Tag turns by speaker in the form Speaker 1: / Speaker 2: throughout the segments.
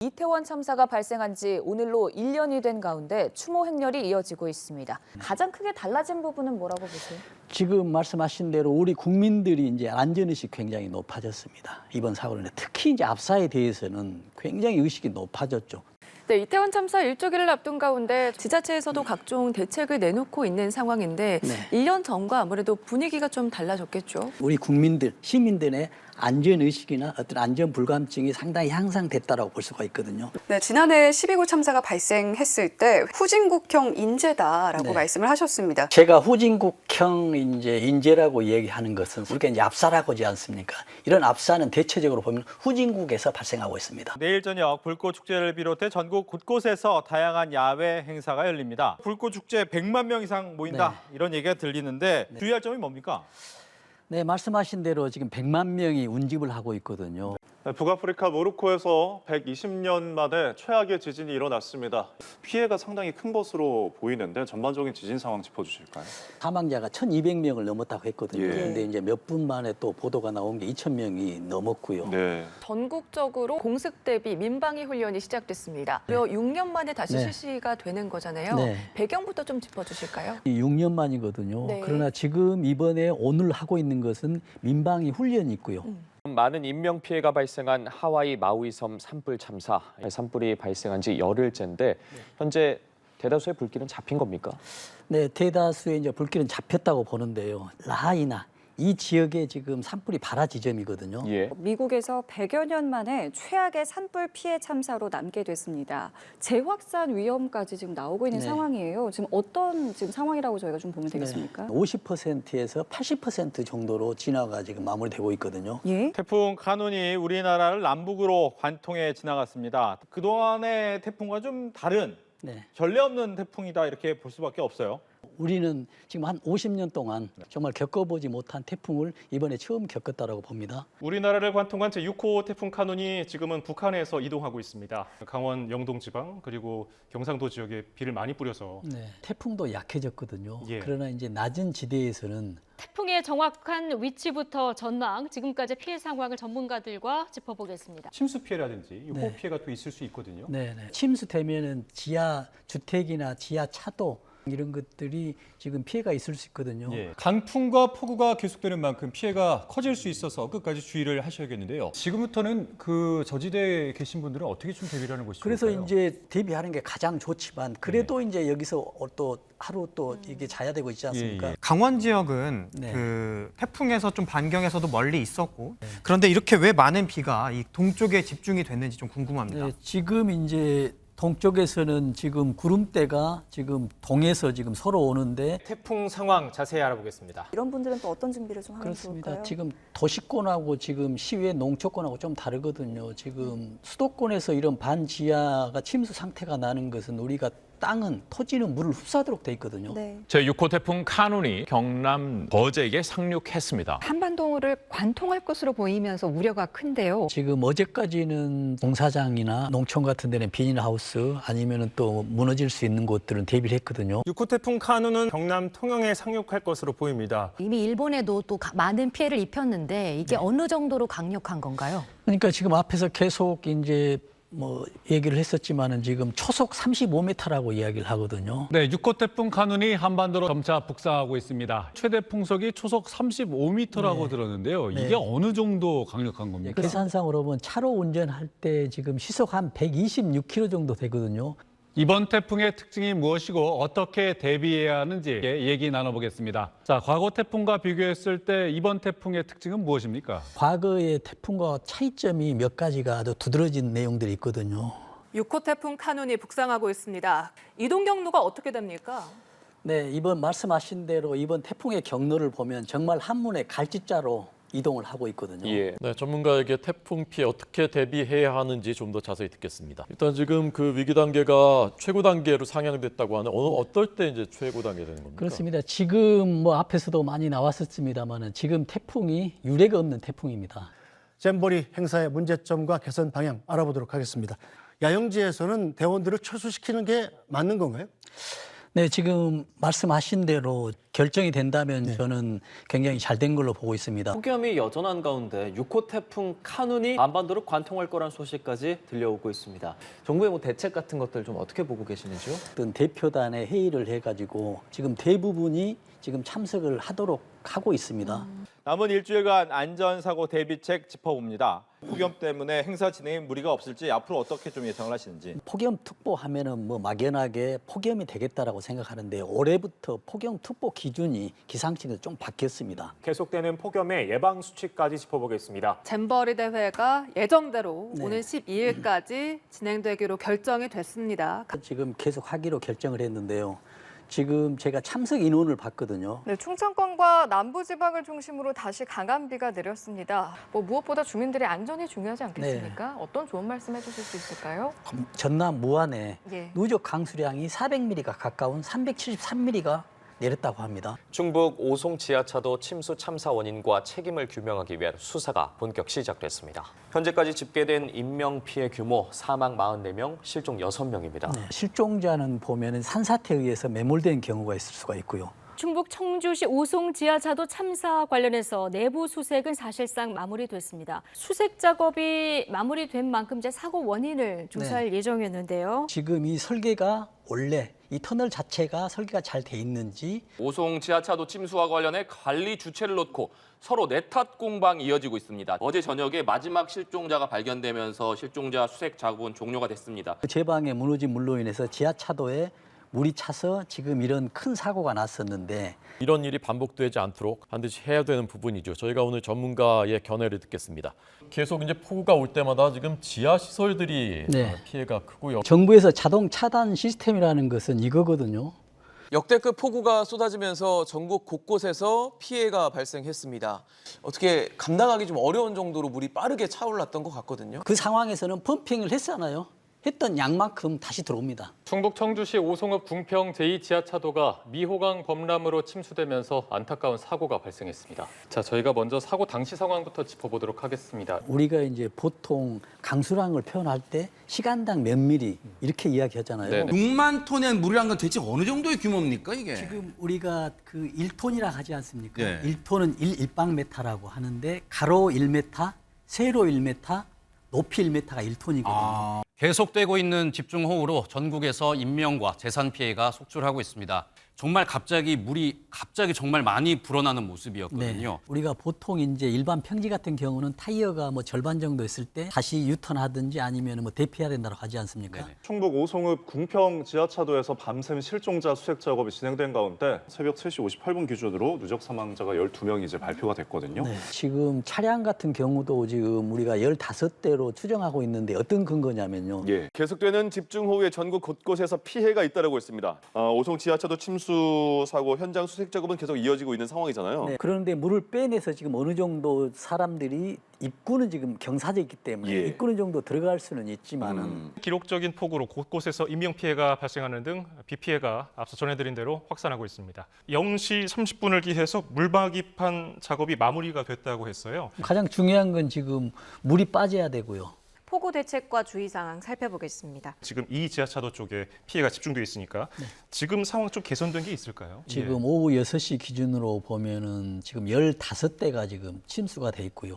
Speaker 1: 이태원 참사가 발생한 지 오늘로 1년이 된 가운데 추모 행렬이 이어지고 있습니다. 가장 크게 달라진 부분은 뭐라고 보세요?
Speaker 2: 지금 말씀하신 대로 우리 국민들이 이제 안전의식이 굉장히 높아졌습니다. 이번 사고는 특히 이제 압사에 대해서는 굉장히 의식이 높아졌죠.
Speaker 3: 네, 이태원 참사 일주기를 앞둔 가운데 지자체에서도 각종 대책을 내놓고 있는 상황인데
Speaker 2: 네.
Speaker 3: 1년 전과 아무래도 분위기가 좀 달라졌겠죠?
Speaker 2: 우리 국민들, 시민들의 안전의식이나 어떤 안전불감증이 상당히 향상됐다고 볼 수가 있거든요.
Speaker 4: 네, 지난해 12구 참사가 발생했을 때 후진국형 인재다라고
Speaker 2: 네.
Speaker 4: 말씀을 하셨습니다.
Speaker 2: 제가 후진국형 인재라고 얘기하는 것은 우리가 이제 압사라고 하지 않습니까? 이런 압사는 대체적으로 보면 후진국에서 발생하고 있습니다.
Speaker 5: 내일 저녁 불꽃축제를 비롯해 전국 곳곳에서 다양한 야외 행사가 열립니다. 불꽃축제 100만 명 이상 모인다 이런 얘기가 들리는데 주의할 점이 뭡니까?
Speaker 2: 네, 말씀하신 대로 지금 100만 명이 운집을 하고 있거든요.
Speaker 6: 북아프리카 모로코에서 120년 만에 최악의 지진이 일어났습니다. 피해가 상당히 큰 것으로 보이는데 전반적인 지진 상황 짚어주실까요?
Speaker 2: 사망자가 1,200명을 넘었다고 했거든요.
Speaker 6: 예.
Speaker 2: 그런데 이제 몇 분 만에 또 보도가 나온 게 2,000명이 넘었고요.
Speaker 6: 네.
Speaker 3: 전국적으로 공습 대비 민방위 훈련이 시작됐습니다. 무려 6년 만에 다시
Speaker 2: 네.
Speaker 3: 실시가 되는 거잖아요.
Speaker 2: 네.
Speaker 3: 배경부터 좀 짚어주실까요?
Speaker 2: 6년 만이거든요.
Speaker 3: 네.
Speaker 2: 그러나 지금 이번에 오늘 하고 있는 것은 민방위 훈련이 있고요.
Speaker 7: 많은 인명 피해가 발생한 하와이 마우이섬 산불 참사. 산불이 발생한 지 열흘째인데 현재 대다수의 불길은 잡힌 겁니까?
Speaker 2: 네, 대다수의 이제 불길은 잡혔다고 보는데요. 라하이나 이 지역에 지금 산불이 발화 지점이거든요.
Speaker 7: 예.
Speaker 8: 미국에서 100여 년 만에 최악의 산불 피해 참사로 남게 됐습니다. 재확산 위험까지 지금 나오고 있는
Speaker 2: 네.
Speaker 8: 상황이에요. 지금 어떤 지금 상황이라고 저희가 좀 보면 되겠습니까?
Speaker 2: 50%에서 80% 정도로 진화가 지금 마무리되고 있거든요.
Speaker 8: 예?
Speaker 5: 태풍 카눈이 우리나라를 남북으로 관통해 지나갔습니다. 그동안의 태풍과 좀 다른
Speaker 2: 네.
Speaker 5: 전례 없는 태풍이다 이렇게 볼 수밖에 없어요.
Speaker 2: 우리는 지금 한 50년 동안 정말 겪어보지 못한 태풍을 이번에 처음 겪었다라고 봅니다.
Speaker 9: 우리나라를 관통한 제6호 태풍 카눈이 지금은 북한에서 이동하고 있습니다. 강원 영동 지방 그리고 경상도 지역에 비를 많이 뿌려서
Speaker 2: 네. 태풍도 약해졌거든요.
Speaker 9: 예.
Speaker 2: 그러나 이제 낮은 지대에서는
Speaker 10: 태풍의 정확한 위치부터 전망, 지금까지 피해 상황을 전문가들과 짚어보겠습니다.
Speaker 9: 침수 피해라든지 호
Speaker 2: 네.
Speaker 9: 피해가 또 있을 수 있거든요.
Speaker 2: 침수되면은 지하 주택이나 지하 차도 이런 것들이 지금 피해가 있을 수 있거든요.
Speaker 9: 예. 강풍과 폭우가 계속되는 만큼 피해가 커질 수 있어서 끝까지 주의를 하셔야겠는데요. 지금부터는 그 저지대에 계신 분들은 어떻게 좀 대비를 하는 것이
Speaker 2: 그래서
Speaker 9: 좋을까요?
Speaker 2: 이제 대비하는 게 가장 좋지만 그래도 이제 여기서 또 하루 또 이게 자야 되고 있지 않습니까?
Speaker 9: 예, 예.
Speaker 11: 강원 지역은
Speaker 2: 네.
Speaker 11: 그 태풍에서 좀 반경에서도 멀리 있었고 그런데 이렇게 왜 많은 비가 이 동쪽에 집중이 됐는지 좀 궁금합니다.
Speaker 2: 네, 지금 이제 동쪽에서는 지금 구름대가 지금 동에서 지금 서로 오는데
Speaker 12: 태풍 상황 자세히 알아보겠습니다.
Speaker 8: 이런 분들은 또 어떤 준비를 좀 하면
Speaker 2: 그렇습니다.
Speaker 8: 좋을까요?
Speaker 2: 지금 도시권하고 지금 시외 농촌권하고 좀 다르거든요. 지금 수도권에서 이런 반지하가 침수 상태가 나는 것은 우리가 땅은 토지는 물을 흡수하도록 돼 있거든요.
Speaker 8: 네.
Speaker 13: 제6호 태풍 카눈이 경남 거제에 상륙했습니다.
Speaker 3: 한반도를 관통할 것으로 보이면서 우려가 큰데요.
Speaker 2: 지금 어제까지는 공사장이나 농촌 같은 데는 비닐하우스 아니면은 또 무너질 수 있는 곳들은 대비를 했거든요.
Speaker 12: 6호 태풍 카눈은 경남 통영에 상륙할 것으로 보입니다.
Speaker 10: 이미 일본에도 또 많은 피해를 입혔는데 이게 어느 정도로 강력한 건가요?
Speaker 2: 그러니까 지금 앞에서 계속 이제 뭐 얘기를 했었지만은 지금 초속 35m라고 이야기를 하거든요.
Speaker 13: 네, 6호 태풍 카눈이 한반도로 점차 북상하고 있습니다. 최대 풍속이 초속 35m라고 들었는데요. 이게 어느 정도 강력한 겁니까?
Speaker 2: 계산상으로 보면 차로 운전할 때 지금 시속 한 126km 정도 되거든요.
Speaker 13: 이번 태풍의 특징이 무엇이고 어떻게 대비해야 하는지 얘기 나눠보겠습니다. 자, 과거 태풍과 비교했을 때 이번 태풍의 특징은 무엇입니까?
Speaker 2: 과거의 태풍과 차이점이 몇 가지가 아주 두드러진 내용들이 있거든요.
Speaker 3: 6호 태풍 카눈이 북상하고 있습니다. 이동 경로가 어떻게 됩니까?
Speaker 2: 네, 이번 말씀하신 대로 이번 태풍의 경로를 보면 정말 한문의 갈짓자로 이동을 하고 있거든요.
Speaker 7: 예.
Speaker 14: 네, 전문가에게 태풍 피해 어떻게 대비해야 하는지 좀 더 자세히 듣겠습니다. 일단 지금 그 위기 단계가 최고 단계로 상향됐다고 하는 어떨 때 이제 최고 단계 되는 겁니까?
Speaker 2: 그렇습니다. 지금 뭐 앞에서도 많이 나왔었습니다만은 지금 태풍이 유례가 없는 태풍입니다.
Speaker 15: 잼버리 행사의 문제점과 개선 방향 알아보도록 하겠습니다. 야영지에서는 대원들을 철수시키는 게 맞는 건가요?
Speaker 2: 네, 지금 말씀하신 대로 결정이 된다면 저는 굉장히 잘 된 걸로 보고 있습니다.
Speaker 16: 폭염이 여전한 가운데 6호 태풍 카눈이 한반도를 관통할 거란 소식까지 들려오고 있습니다. 정부의 뭐 대책 같은 것들 좀 어떻게 보고 계시는지요?
Speaker 2: 어떤 대표단의 회의를 해가지고 지금 대부분이 지금 참석을 하도록 하고 있습니다.
Speaker 5: 남은 일주일간 안전사고 대비책 짚어봅니다. 폭염 때문에 행사 진행에 무리가 없을지 앞으로 어떻게 좀 예상을 하시는지.
Speaker 2: 폭염특보 하면은 뭐 막연하게 폭염이 되겠다라고 생각하는데 올해부터 폭염특보 기준이 기상청에서 좀 바뀌었습니다.
Speaker 12: 계속되는 폭염의 예방 수칙까지 짚어보겠습니다.
Speaker 3: 잼버리 대회가 예정대로
Speaker 2: 네.
Speaker 3: 오늘 12일까지 진행되기로 결정이 됐습니다.
Speaker 2: 지금 계속 하기로 결정을 했는데요. 지금 제가 참석 인원을 봤거든요.
Speaker 17: 네, 충청권과 남부지방을 중심으로 다시 강한 비가 내렸습니다. 뭐 무엇보다 주민들의 안전이 중요하지 않겠습니까? 어떤 좋은 말씀 해주실 수 있을까요?
Speaker 2: 전남 무안에
Speaker 17: 예.
Speaker 2: 누적 강수량이 400mm가 가까운 373mm가 내렸다고 합니다.
Speaker 7: 충북 오송 지하차도 침수 참사 원인과 책임을 규명하기 위한 수사가 본격 시작됐습니다. 현재까지 집계된 인명 피해 규모 사망 44명, 실종 6명입니다.
Speaker 2: 네, 실종자는 보면은 산사태에 의해서 매몰된 경우가 있을 수가 있고요.
Speaker 10: 충북 청주시 오송 지하차도 참사 관련해서 내부 수색은 사실상 마무리됐습니다. 수색 작업이 마무리된 만큼 이제 사고 원인을 조사할 예정이었는데요.
Speaker 2: 지금 이 설계가 원래 이 터널 자체가 설계가 잘 돼 있는지
Speaker 18: 오송 지하차도 침수와 관련해 관리 주체를 놓고 서로 내탓 공방이 이어지고 있습니다. 어제 저녁에 마지막 실종자가 발견되면서 실종자 수색 작업은 종료가 됐습니다.
Speaker 2: 제방에 무너진 물로 인해서 지하차도에 물이 차서 지금 이런 큰 사고가 났었는데
Speaker 14: 이런 일이 반복되지 않도록 반드시 해야 되는 부분이죠. 저희가 오늘 전문가의 견해를 듣겠습니다. 계속 이제 폭우가 올 때마다 지금 지하 시설들이 피해가 크고요.
Speaker 2: 정부에서 자동 차단 시스템이라는 것은 이거거든요.
Speaker 19: 역대급 폭우가 쏟아지면서 전국 곳곳에서 피해가 발생했습니다. 어떻게 감당하기 좀 어려운 정도로 물이 빠르게 차올랐던 것 같거든요.
Speaker 2: 그 상황에서는 펌핑을 했잖아요. 했던 양만큼 다시 들어옵니다.
Speaker 12: 충북 청주시 오송읍 궁평 제2지하차도가 미호강 범람으로 침수되면서 안타까운 사고가 발생했습니다. 자, 저희가 먼저 사고 당시 상황부터 짚어보도록 하겠습니다.
Speaker 2: 우리가 이제 보통 강수량을 표현할 때 시간당 몇 미리 이렇게 이야기하잖아요.
Speaker 20: 6만 톤의 물이란 건 대체 어느 정도의 규모입니까, 이게?
Speaker 2: 지금 우리가 그 1톤이라 하지 않습니까?
Speaker 20: 네.
Speaker 2: 1톤은 1일방메타라고 하는데 가로 1m, 세로 1m, 높이 1m가 1톤이거든요.
Speaker 21: 계속되고 있는 집중호우로 전국에서 인명과 재산 피해가 속출하고 있습니다. 정말 갑자기 물이 정말 많이 불어나는 모습이었거든요.
Speaker 2: 네. 우리가 보통 이제 일반 평지 같은 경우는 타이어가 뭐 절반 정도 있을 때 다시 유턴하든지 아니면 뭐 대피해야 된다고 하지 않습니까?
Speaker 6: 충북 오송읍 궁평 지하차도에서 밤샘 실종자 수색 작업이 진행된 가운데 새벽 3시 58분 기준으로 누적 사망자가 12명이 이제 발표가 됐거든요.
Speaker 2: 네. 지금 차량 같은 경우도 지금 우리가 15대로 추정하고 있는데 어떤 근거냐면요.
Speaker 22: 예, 계속되는 집중호우에 전국 곳곳에서 피해가 잇따르고 있습니다. 오송 지하차도 침수 사고 현장 수색 작업은 계속 이어지고 있는 상황이잖아요.
Speaker 2: 네. 그런데 물을 빼내서 지금 어느 정도 사람들이 입구는 지금 경사져 있기 때문에 입구는 정도 들어갈 수는 있지만은
Speaker 12: 기록적인 폭우로 곳곳에서 인명 피해가 발생하는 등 비 피해가 앞서 전해드린 대로 확산하고 있습니다. 0시 30분을 기해서 물박이판 작업이 마무리가 됐다고 했어요.
Speaker 2: 가장 중요한 건 지금 물이 빠져야 되고요.
Speaker 3: 폭우 대책과 주의 사항 살펴보겠습니다.
Speaker 12: 지금 이 지하차도 쪽에 피해가 집중돼 있으니까 지금 상황 좀 개선된 게 있을까요?
Speaker 2: 지금 오후 6시 기준으로 보면은 지금 15대가 지금 침수가 돼 있고요.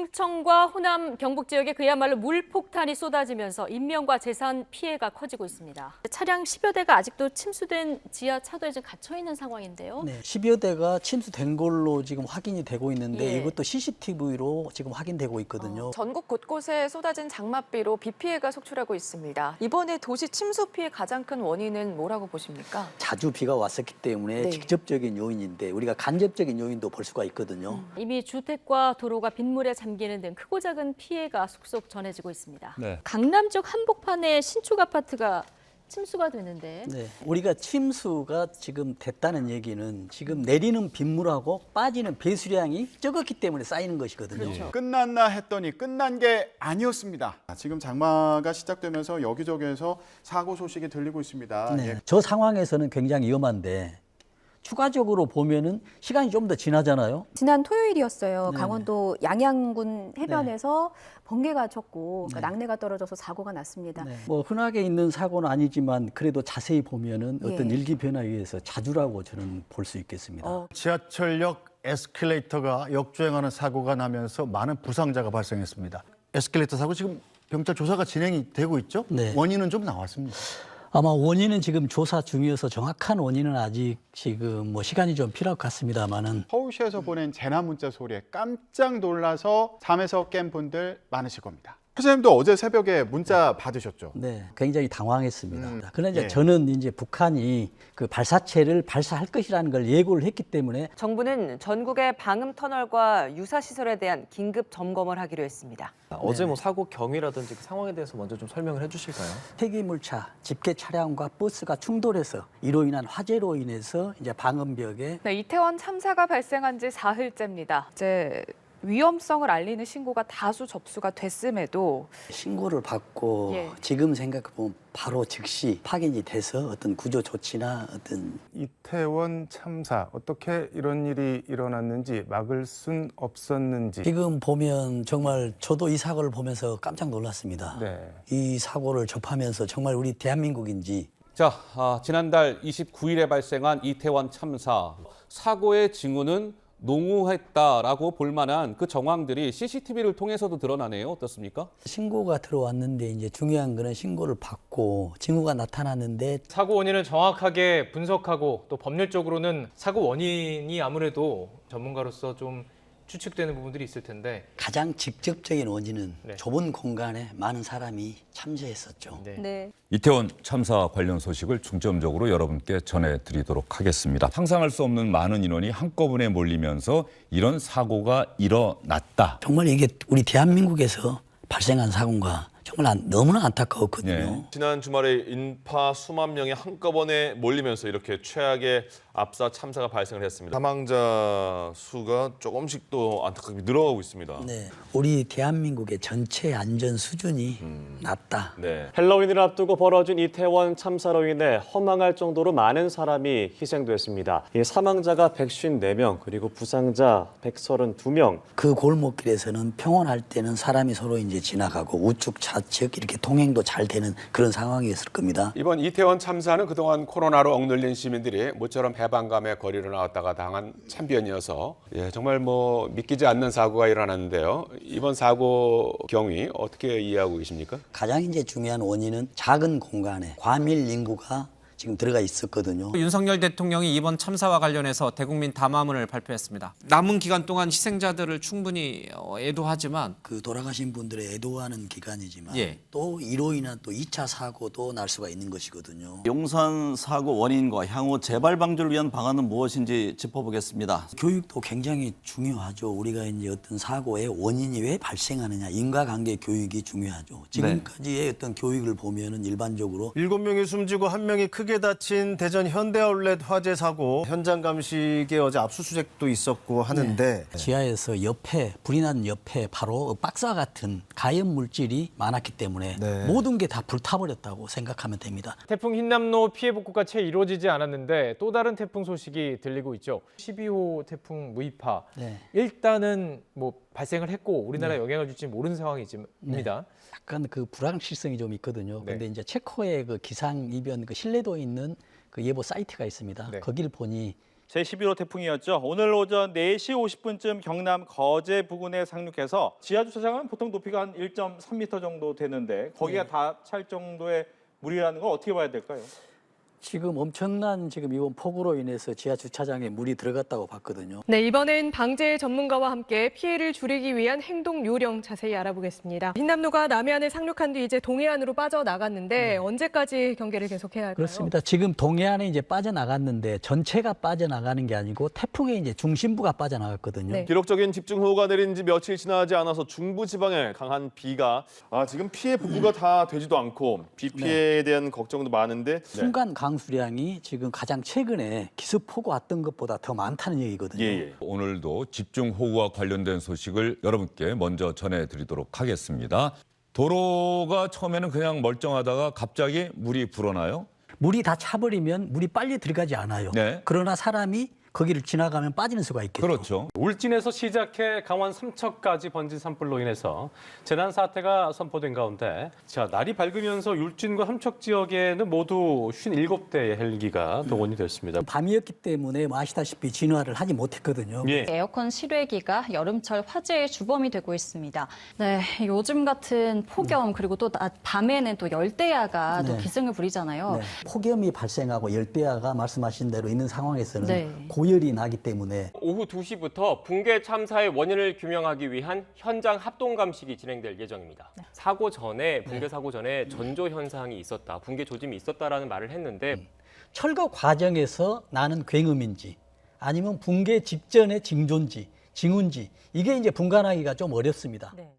Speaker 10: 충청과 호남, 경북 지역에 그야말로 물폭탄이 쏟아지면서 인명과 재산 피해가 커지고 있습니다. 차량 10여 대가 아직도 침수된 지하차도에 지금 갇혀 있는 상황인데요.
Speaker 2: 네, 10여 대가 침수된 걸로 지금 확인이 되고 있는데
Speaker 3: 예.
Speaker 2: 이것도 CCTV로 지금 확인되고 있거든요.
Speaker 3: 전국 곳곳에 쏟아진 장맛비로 비 피해가 속출하고 있습니다. 이번에 도시 침수 피해 가장 큰 원인은 뭐라고 보십니까?
Speaker 2: 자주 비가 왔었기 때문에
Speaker 3: 네.
Speaker 2: 직접적인 요인인데 우리가 간접적인 요인도 볼 수가 있거든요.
Speaker 10: 이미 주택과 도로가 빗물에 잠기는 등 크고 작은 피해가 속속 전해지고 있습니다.
Speaker 2: 네.
Speaker 10: 강남 쪽 한복판에 신축 아파트가 침수가 되는데
Speaker 2: 네, 우리가 침수가 지금 됐다는 얘기는 지금 내리는 빗물하고 빠지는 배수량이 적었기 때문에 쌓이는 것이거든요.
Speaker 23: 그렇죠. 끝났나 했더니 끝난 게 아니었습니다. 지금 장마가 시작되면서 여기저기에서 사고 소식이 들리고 있습니다.
Speaker 2: 네, 저 상황에서는 굉장히 위험한데 추가적으로 보면은 시간이 좀 더 지나잖아요.
Speaker 1: 지난 토요일이었어요.
Speaker 2: 네.
Speaker 1: 강원도 양양군 해변에서 번개가 쳤고 그러니까 낙뢰가 떨어져서 사고가 났습니다.
Speaker 2: 뭐 흔하게 있는 사고는 아니지만 그래도 자세히 보면은 어떤
Speaker 1: 예.
Speaker 2: 일기 변화에 의해서 자주라고 저는 볼 수 있겠습니다.
Speaker 15: 지하철역 에스컬레이터가 역주행하는 사고가 나면서 많은 부상자가 발생했습니다. 에스컬레이터 사고 지금 경찰 조사가 진행이 되고 있죠?
Speaker 2: 네.
Speaker 15: 원인은 좀 나왔습니다.
Speaker 2: 아마 원인은 지금 조사 중이어서 정확한 원인은 아직 지금 뭐 시간이 좀 필요할 것 같습니다만은
Speaker 23: 서울시에서 보낸 재난 문자 소리에 깜짝 놀라서 잠에서 깬 분들 많으실 겁니다. 회장님도 어제 새벽에 문자 받으셨죠?
Speaker 2: 네, 굉장히 당황했습니다. 그러나 이제
Speaker 23: 예.
Speaker 2: 저는 이제 북한이 그 발사체를 발사할 것이라는 걸 예고를 했기 때문에
Speaker 3: 정부는 전국의 방음 터널과 유사 시설에 대한 긴급 점검을 하기로 했습니다.
Speaker 16: 어제 뭐 사고 경위라든지 그 상황에 대해서 먼저 좀 설명을 해주실까요?
Speaker 2: 폐기물차, 집계 차량과 버스가 충돌해서 이로 인한 화재로 인해서 이제 방음벽에
Speaker 17: 네, 이태원 참사가 발생한 지 사흘째입니다. 이제 위험성을 알리는 신고가 다수 접수가 됐음에도
Speaker 2: 신고를 받고
Speaker 17: 예.
Speaker 2: 지금 생각해보면 바로 즉시 파견이 돼서 어떤 구조 조치나 어떤
Speaker 4: 이태원 참사 어떻게 이런 일이 일어났는지 막을 순 없었는지
Speaker 2: 지금 보면 정말 저도 이 사고를 보면서 깜짝 놀랐습니다.
Speaker 4: 네.
Speaker 2: 이 사고를 접하면서 정말 우리 대한민국인지
Speaker 9: 자, 지난달 29일에 발생한 이태원 참사 사고의 징후는 농후했다라고 볼 만한 그 정황들이 CCTV를 통해서도 드러나네요. 어떻습니까?
Speaker 2: 신고가 들어왔는데 이제 중요한 거는 신고를 받고 징후가 나타났는데
Speaker 24: 사고 원인을 정확하게 분석하고 또 법률적으로는 사고 원인이 아무래도 전문가로서 좀 추측되는 부분들이 있을 텐데
Speaker 2: 가장 직접적인 원인은
Speaker 24: 네.
Speaker 2: 좁은 공간에 많은 사람이 참여했었죠.
Speaker 1: 네.
Speaker 25: 이태원 참사 관련 소식을 중점적으로 여러분께 전해드리도록 하겠습니다. 상상할 수 없는 많은 인원이 한꺼번에 몰리면서 이런 사고가 일어났다.
Speaker 2: 정말 이게 우리 대한민국에서 발생한 사고인가 정말 너무나 안타까웠거든요.
Speaker 22: 지난 주말에 인파 수만 명이 한꺼번에 몰리면서 이렇게 최악의 압사 참사가 발생을 했습니다. 사망자 수가 조금씩 또 안타깝게 늘어가고 있습니다.
Speaker 2: 네, 우리 대한민국의 전체 안전 수준이 낮다.
Speaker 22: 네.
Speaker 26: 헬로윈을 앞두고 벌어진 이태원 참사로 인해 허망할 정도로 많은 사람이 희생됐습니다. 이 사망자가 154명, 그리고 부상자 132명.
Speaker 2: 그 골목길에서는 평온할 때는 사람이 서로 이제 지나가고 우측 좌측 이렇게 통행도 잘 되는 그런 상황이었을 겁니다.
Speaker 27: 이번 이태원 참사는 그동안 코로나로 억눌린 시민들이 모처럼 해방감의 거리로 나왔다가 당한 참변이어서 정말 뭐 믿기지 않는 사고가 일어났는데요. 이번 사고 경위 어떻게 이해하고 계십니까?
Speaker 2: 가장 이제 중요한 원인은 작은 공간에 과밀 인구가 지금 들어가 있었거든요.
Speaker 11: 윤석열 대통령이 이번 참사와 관련해서 대국민 담화문을 발표했습니다. 남은 기간 동안 희생자들을 충분히 애도하지만
Speaker 2: 그 돌아가신 분들의 애도하는 기간이지만
Speaker 11: 예.
Speaker 2: 또 이로 인한 또 2차 사고도 날 수가 있는 것이거든요.
Speaker 28: 용산 사고 원인과 향후 재발 방지를 위한 방안은 무엇인지 짚어보겠습니다.
Speaker 2: 교육도 굉장히 중요하죠. 우리가 이제 어떤 사고의 원인이 왜 발생하느냐, 인과관계 교육이 중요하죠. 지금까지의 어떤 교육을 보면은 일반적으로
Speaker 29: 7명이 숨지고 1명이 크게 다친 대전 현대아울렛 화재 사고 현장 감식에 어제 압수수색도 있었고 하는데
Speaker 2: 지하에서 옆에 불이 난 옆에 바로 박사 같은 가연 물질이 많았기 때문에 모든 게 다 불타버렸다고 생각하면 됩니다.
Speaker 24: 태풍 흰남노 피해 복구가 채 이루어지지 않았는데 또 다른 태풍 소식이 들리고 있죠. 12호 태풍 무이파. 일단은 뭐 발생을 했고 우리나라에 영향을 줄지 모르는 상황입니다.
Speaker 2: 약간 그 불확실성이 좀 있거든요. 근데 이제 체코의 그 기상 이변 그 신뢰도 있는 그 예보 사이트가 있습니다. 거기를 보니
Speaker 5: 제11호 태풍이었죠. 오늘 오전 4시 50분쯤 경남 거제 부근에 상륙해서 지하 주차장은 보통 높이가 한 1.3m 정도 되는데 거기가 다 찰 정도의 물이라는 걸 어떻게 봐야 될까요?
Speaker 2: 지금 엄청난 지금 이번 폭우로 인해서 지하 주차장에 물이 들어갔다고 봤거든요.
Speaker 30: 네, 이번엔 방재 전문가와 함께 피해를 줄이기 위한 행동 요령 자세히 알아보겠습니다. 흰남노가 남해안에 상륙한 뒤 이제 동해안으로 빠져나갔는데 언제까지 경계를 계속해야 할까요?
Speaker 2: 그렇습니다. 지금 동해안에 이제 빠져나갔는데 전체가 빠져나가는 게 아니고 태풍의 이제 중심부가 빠져나갔거든요.
Speaker 22: 기록적인 집중호우가 내린 지 며칠 지나지 않아서 중부 지방에 강한 비가 지금 피해 복구가 다 되지도 않고 비 피해에 대한 걱정도 많은데
Speaker 2: 순간 강수량이 지금 가장 최근에 기습폭우 왔던 것보다 더 많다는 얘기거든요.
Speaker 25: 오늘도 집중호우와 관련된 소식을 여러분께 먼저 전해드리도록 하겠습니다. 도로가 처음에는 그냥 멀쩡하다가 갑자기 물이 불어나요?
Speaker 2: 물이 다 차버리면 물이 빨리 들어가지 않아요.
Speaker 25: 네.
Speaker 2: 그러나 사람이 거기를 지나가면 빠지는 수가 있겠죠.
Speaker 25: 그렇죠.
Speaker 6: 울진에서 시작해 강원 삼척까지 번진 산불로 인해서 재난 사태가 선포된 가운데 날이 밝으면서 울진과 삼척 지역에는 모두 57대의 헬기가 동원이 됐습니다.
Speaker 2: 밤이었기 때문에 아시다시피 진화를 하지 못했거든요.
Speaker 7: 에어컨 실외기가 여름철 화재의 주범이 되고 있습니다. 네, 요즘 같은 폭염 그리고 또 밤에는 또 열대야가 또 기승을 부리잖아요.
Speaker 2: 네. 폭염이 발생하고 열대야가 말씀하신 대로 있는 상황에서는
Speaker 7: 네.
Speaker 2: 고열이 나기 때문에
Speaker 8: 오후 2시부터 붕괴 참사의 원인을 규명하기 위한 현장 합동 감식이 진행될 예정입니다. 사고 전에 붕괴 사고 전에 전조 현상이 있었다, 붕괴 조짐이 있었다라는 말을 했는데
Speaker 2: 철거 과정에서 나는 굉음인지 아니면 붕괴 직전의 징조인지 징후인지 이게 이제 분간하기가 좀 어렵습니다.